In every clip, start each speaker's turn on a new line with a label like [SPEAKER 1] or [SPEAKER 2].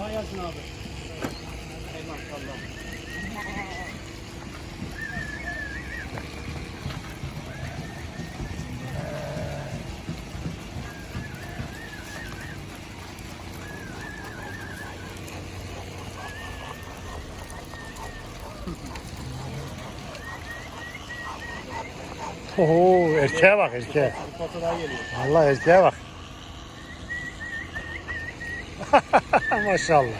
[SPEAKER 1] Kolay gelsin abi. Eyvallah.
[SPEAKER 2] Oo, erkeğe bak erkeğe.
[SPEAKER 1] Foto daha geliyor.
[SPEAKER 2] Allah erkeğe bak. Maşallah.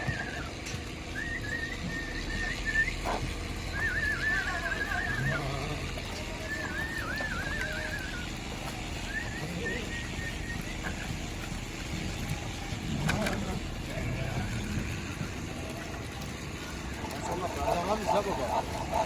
[SPEAKER 1] Adamlar bize baba.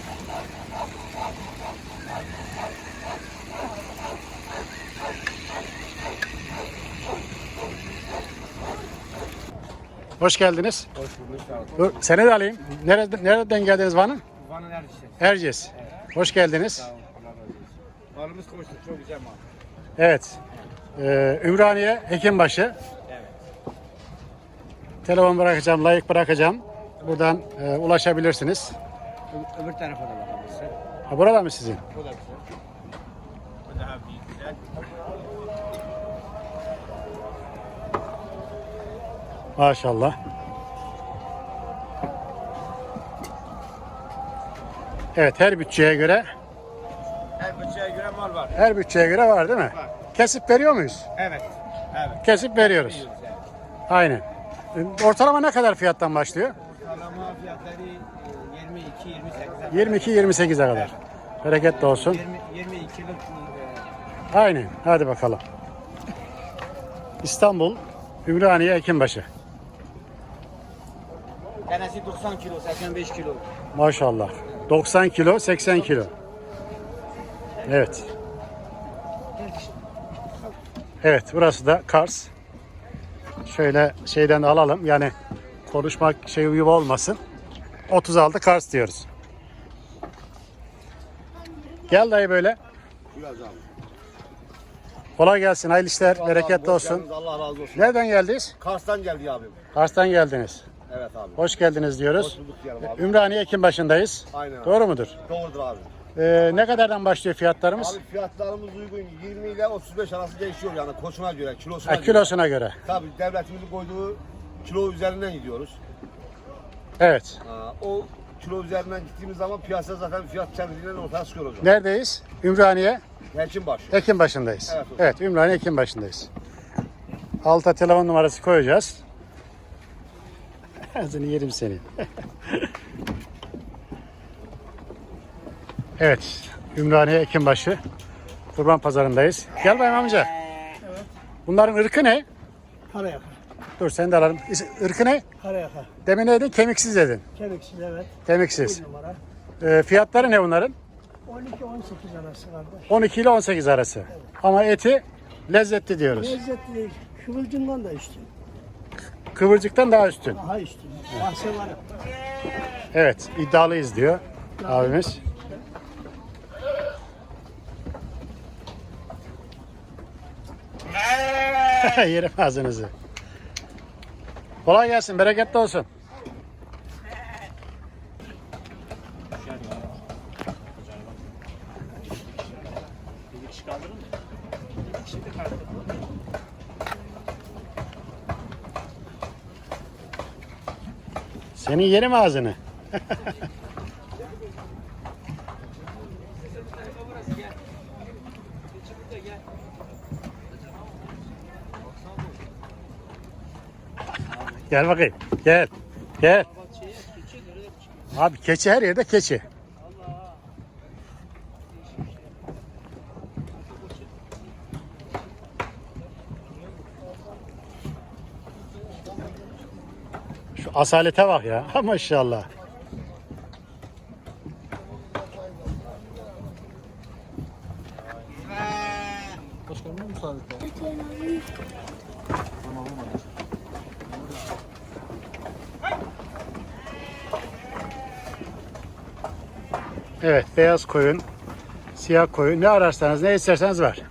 [SPEAKER 2] Hoş geldiniz.
[SPEAKER 1] Hoş bulduk.
[SPEAKER 2] Dur, seni de alayım. Nereden geldiniz Van'a?
[SPEAKER 1] Van'ın Erciyes.
[SPEAKER 2] Erciyes. Hoş geldiniz.
[SPEAKER 1] Sağ olun. Allah razı olsun. Malımız koştu. Çok güzel mal.
[SPEAKER 2] Evet. Ümraniye Hekimbaşı.
[SPEAKER 1] Evet.
[SPEAKER 2] Telefon bırakacağım, layık bırakacağım. Buradan ulaşabilirsiniz.
[SPEAKER 1] Öbür tarafa da bakabilirsin.
[SPEAKER 2] Ha, burada mı sizin?
[SPEAKER 1] Bu da güzel. Bu daha büyük güzel.
[SPEAKER 2] Maşallah. Evet, her bütçeye göre
[SPEAKER 1] mal var.
[SPEAKER 2] her bütçeye göre var değil mi?
[SPEAKER 1] Var.
[SPEAKER 2] Kesip veriyor muyuz?
[SPEAKER 1] Evet. Evet.
[SPEAKER 2] Kesip veriyoruz.
[SPEAKER 1] Biliyoruz yani.
[SPEAKER 2] Aynen. Ortalama ne kadar fiyattan başlıyor?
[SPEAKER 1] Ortalama fiyatları 22-28'e
[SPEAKER 2] 22-28'e kadar. Bereketli olsun.
[SPEAKER 1] 22'lik
[SPEAKER 2] Aynen. Hadi bakalım. İstanbul, Ümraniye Hekimbaşı.
[SPEAKER 1] tanesi 90 kilo, 85 kilo.
[SPEAKER 2] Maşallah. 90 kilo, 80 kilo. Evet. Evet, burası da Kars. Şöyle şeyden de alalım. Yani konuşmak şey gibi olmasın. 36 Kars diyoruz. Gel dayı böyle.
[SPEAKER 3] Biraz abi.
[SPEAKER 2] Kolay gelsin, hayırlı işler, bereketli
[SPEAKER 3] Hoş
[SPEAKER 2] olsun.
[SPEAKER 3] geldiniz, Allah razı olsun.
[SPEAKER 2] Nereden geldiniz?
[SPEAKER 3] Kars'tan geldi abim.
[SPEAKER 2] Kars'tan geldiniz.
[SPEAKER 3] Evet abi.
[SPEAKER 2] Hoş geldiniz diyoruz.
[SPEAKER 3] Hoş bulduk diyelim abi.
[SPEAKER 2] Ümraniye Hekimbaşı'ndayız.
[SPEAKER 3] Aynen abi.
[SPEAKER 2] Doğru mudur?
[SPEAKER 3] Doğrudur abi.
[SPEAKER 2] Ne kadardan başlıyor fiyatlarımız?
[SPEAKER 3] Abi fiyatlarımız uygun. 20 ile 35 arası değişiyor yani koçuna göre, kilosuna
[SPEAKER 2] Ha,
[SPEAKER 3] göre.
[SPEAKER 2] kilosuna göre.
[SPEAKER 3] Tabii devletimizin koyduğu kilo üzerinden gidiyoruz.
[SPEAKER 2] Evet.
[SPEAKER 3] O kilo üzerinden gittiğimiz zaman piyasa zaten fiyat kendiliğinden ortaya çıkıyor hocam.
[SPEAKER 2] Neredeyiz? Ümraniye
[SPEAKER 3] Hekimbaşı.
[SPEAKER 2] Hekimbaşı'ndayız.
[SPEAKER 3] Evet hocam.
[SPEAKER 2] Evet, Ümraniye Hekimbaşı'ndayız. Alta telefon numarası koyacağız. Ağzını yerim seni. Evet, Ümraniye Hekimbaşı Kurban Pazarı'ndayız. Gel bayım amca.
[SPEAKER 1] Evet.
[SPEAKER 2] Bunların ırkı ne?
[SPEAKER 1] Karayaka.
[SPEAKER 2] Dur sen de alalım. Irkı ne?
[SPEAKER 1] Karayaka.
[SPEAKER 2] Demin ne dedin? Kemiksiz dedin.
[SPEAKER 1] Kemiksiz evet.
[SPEAKER 2] Kemiksiz.
[SPEAKER 1] Bir numara.
[SPEAKER 2] Fiyatları ne bunların?
[SPEAKER 1] 12-18 arası kardeş.
[SPEAKER 2] 12 ile 18 arası. Ama eti lezzetli diyoruz.
[SPEAKER 1] Lezzetli değil. Kıvılcımdan da üstün.
[SPEAKER 2] Kıvırcıktan daha üstün.
[SPEAKER 1] Daha üstün. Bahse var.
[SPEAKER 2] Evet, iddialıyız diyor abimiz. Yerim ağzınızı. Kolay gelsin, bereketli olsun. Senin yerim ağzını. Gel bakayım. Gel. Gel. Abi keçi her yerde keçi. Şu asalete bak ya. Maşallah.
[SPEAKER 1] Başkanım müsaade et.
[SPEAKER 2] Evet, beyaz koyun, siyah koyun ne ararsanız ne isterseniz var.